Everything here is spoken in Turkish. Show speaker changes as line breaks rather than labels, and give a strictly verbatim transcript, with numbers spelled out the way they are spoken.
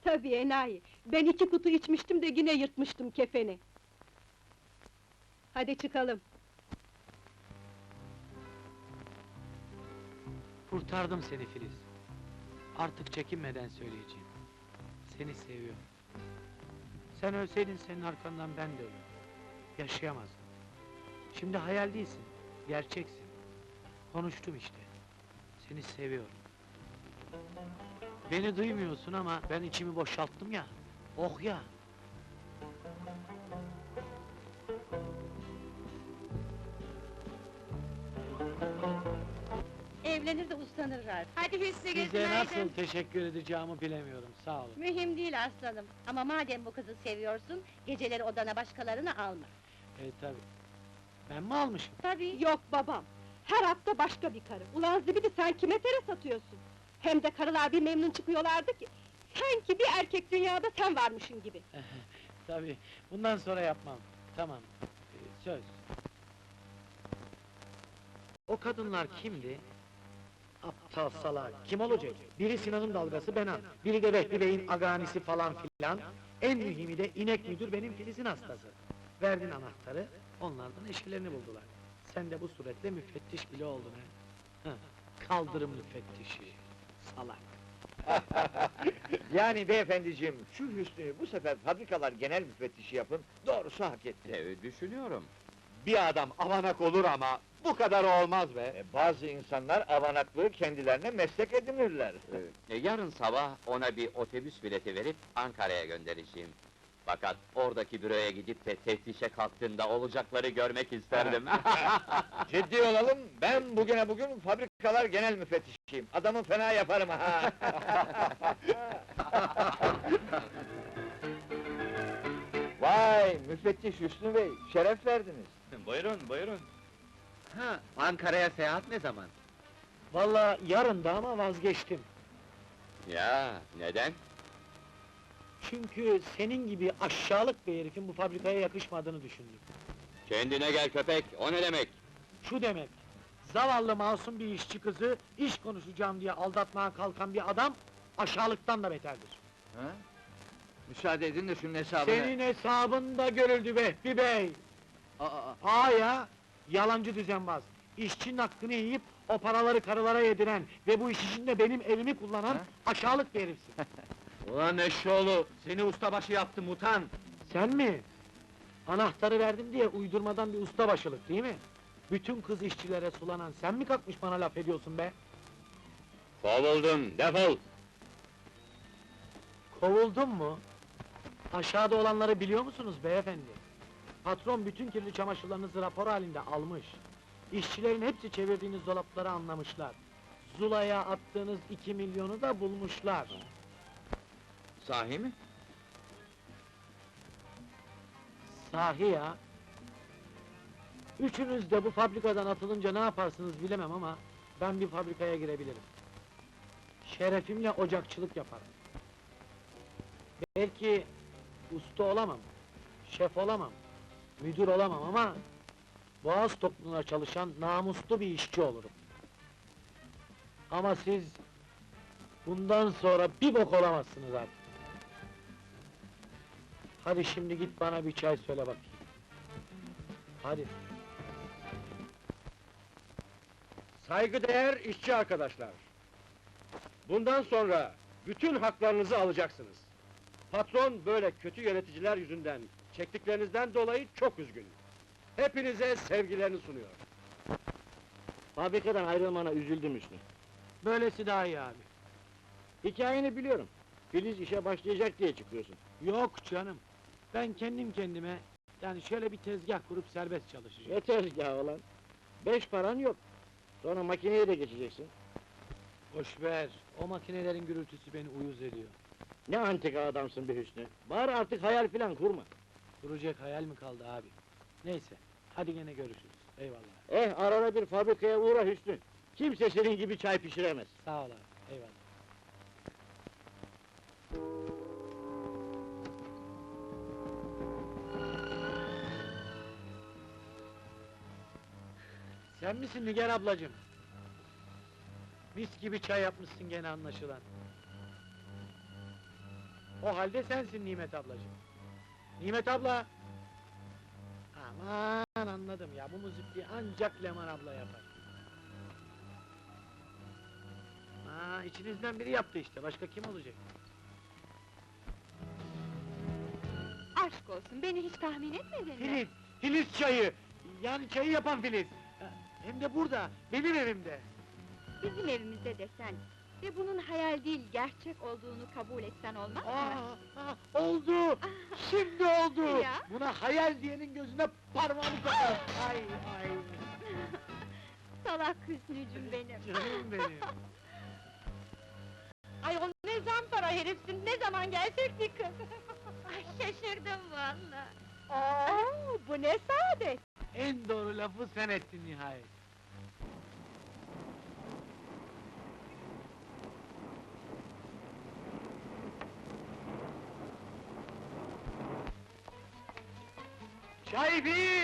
Tabii enayi! Ben iki kutu içmiştim de yine yırtmıştım kefeni! Hadi çıkalım!
Kurtardım seni Filiz. Artık çekinmeden söyleyeceğim. Seni seviyorum. Sen ölseydin senin arkandan ben de ölürdüm. Yaşayamazdım. Şimdi hayal değilsin, gerçeksin. Konuştum işte. Seni seviyorum. Beni duymuyorsun ama ben içimi boşalttım ya. Oh ya!
Evlenir de uslanırlar. Hadi Hüsnü
Size
günaydın.
nasıl teşekkür edeceğimi bilemiyorum, sağ olun.
Mühim değil aslanım. Ama madem bu kızı seviyorsun, geceleri odana başkalarını alma.
E tabi. Ben mi almışım?
Tabii.
Yok babam! Her hafta başka bir karı! Ulan zibidi sen kime tere satıyorsun? Hem de karılar bir memnun çıkıyorlardı ki... Sanki bir erkek dünyada sen varmışın gibi!
Tabi, bundan sonra yapmam. Tamam, e, söz. O kadınlar kimdi? Aptal salak, kim olacak? Biri Sinan'ın dalgası Benan, biri de Vehbi Bey'in aganisi falan filan. En mühimi de inek müdür benim Filiz'in hastası. Verdin anahtarı, onlardan eşkilerini buldular. Sen de bu suretle müfettiş bile oldun ha. Heh, kaldırım müfettişi, salak.
Yani beyefendiciğim, şu Hüsnü'yü bu sefer fabrikalar genel müfettişi yapın, doğrusu hak etti.
Evet, düşünüyorum.
Bir adam avanak olur ama bu kadar olmaz be! bazı insanlar avanaklığı kendilerine meslek edinirler.
E, yarın sabah ona bir otobüs bileti verip Ankara'ya göndereceğim. Fakat oradaki büroya gidip de teftişe kalktığında olacakları görmek isterdim.
Ciddi olalım, ben bugüne bugün fabrikalar genel müfettişiyim. Adamı fena yaparım ha! Vay, müfettiş Hüsnü Bey, şeref verdiniz.
Buyurun, buyurun.
Ha, Ankara'ya seyahat ne zaman?
Vallahi yarın da ama vazgeçtim.
Ya, neden?
Çünkü senin gibi aşağılık bir herifin bu fabrikaya yakışmadığını düşündüm.
Kendine gel köpek, o ne demek?
Şu demek, zavallı masum bir işçi kızı, iş konuşacağım diye aldatmaya kalkan bir adam, aşağılıktan da beterdir.
Ha? Müsaade edin de şunun hesabını...
Senin hesabında görüldü Vehbi Bey!
Aa, aa,
Aa ya, yalancı düzenbaz! İşçinin hakkını yiyip, o paraları karılara yediren ve bu iş içinde benim evimi kullanan
Ha?
aşağılık bir herifsin!
Ulan eşşoğlu, seni ustabaşı yaptım utan!
Sen mi? Anahtarı verdim diye uydurmadan bir ustabaşılık değil mi? Bütün kız işçilere sulanan sen mi kalkmış bana laf ediyorsun be?
Kovuldun, defol!
Kovuldun mu? Aşağıda olanları biliyor musunuz beyefendi? Patron bütün kirli çamaşırlarınızı rapor halinde almış. İşçilerin hepsi çevirdiğiniz dolapları anlamışlar. Zula'ya attığınız iki milyonu da bulmuşlar.
Sahi mi?
Sahi ya! Üçünüz de bu fabrikadan atılınca ne yaparsınız bilemem ama... ...ben bir fabrikaya girebilirim. Şerefimle ocakçılık yaparım. Belki... ...usta olamam, şef olamam, müdür olamam ama... ...Boğaz topluluğuna çalışan namuslu bir işçi olurum. Ama siz... ...bundan sonra bir bok olamazsınız artık. Hadi şimdi git bana bir çay söyle bakayım. Hadi.
Saygıdeğer işçi arkadaşlar! Bundan sonra bütün haklarınızı alacaksınız. Patron böyle kötü yöneticiler yüzünden çektiklerinizden dolayı çok üzgün. Hepinize sevgilerini sunuyor.
Fabrikadan ayrılmana üzüldüm Hüsnü.
Böylesi daha iyi abi.
Hikayeni biliyorum. Filiz işe başlayacak diye çıkıyorsun.
Yok canım. Ben kendim kendime... ...yani şöyle bir tezgah kurup serbest çalışacağım.
Ne tezgahı olan? Beş paran yok. Sonra makineye de geçeceksin.
Boş ver, o makinelerin gürültüsü beni uyuz ediyor.
Ne antika adamsın be Hüsnü. Bari artık hayal filan kurma.
Kuracak hayal mi kaldı abi? Neyse, hadi gene görüşürüz. Eyvallah.
Eh, arada bir fabrikaya uğra Hüsnü. Kimse senin gibi çay pişiremez.
Sağ ol abi, eyvallah. Sen misin Nigar ablacığım? Mis gibi çay yapmışsın gene anlaşılan. O halde sensin Nimet ablacığım. Nimet abla! Aman anladım ya, bu müzikliği ancak Leman abla yapar. Ha, içinizden biri yaptı işte, başka kim olacak?
Aşk olsun, beni hiç tahmin etmedin mi?
Filiz! Filiz çayı! Yani çayı yapan Filiz! Ha, hem de burada, benim evimde!
Bizim evimizde desen ve bunun hayal değil, gerçek olduğunu kabul etsen olmaz mı?
Aa, aa, oldu! Şimdi oldu!
Ya?
Buna hayal diyenin gözüne parmağımı sokarım! Ay ay!
Salak Hüsnücüm benim!
Canım benim!
Ay o ne zampara herifsin, ne zaman gelsek bir kız! Ay şaşırdım valla! Oo, bu ne saadet!
En doğru lafı sen ettin nihayet! Çay bir!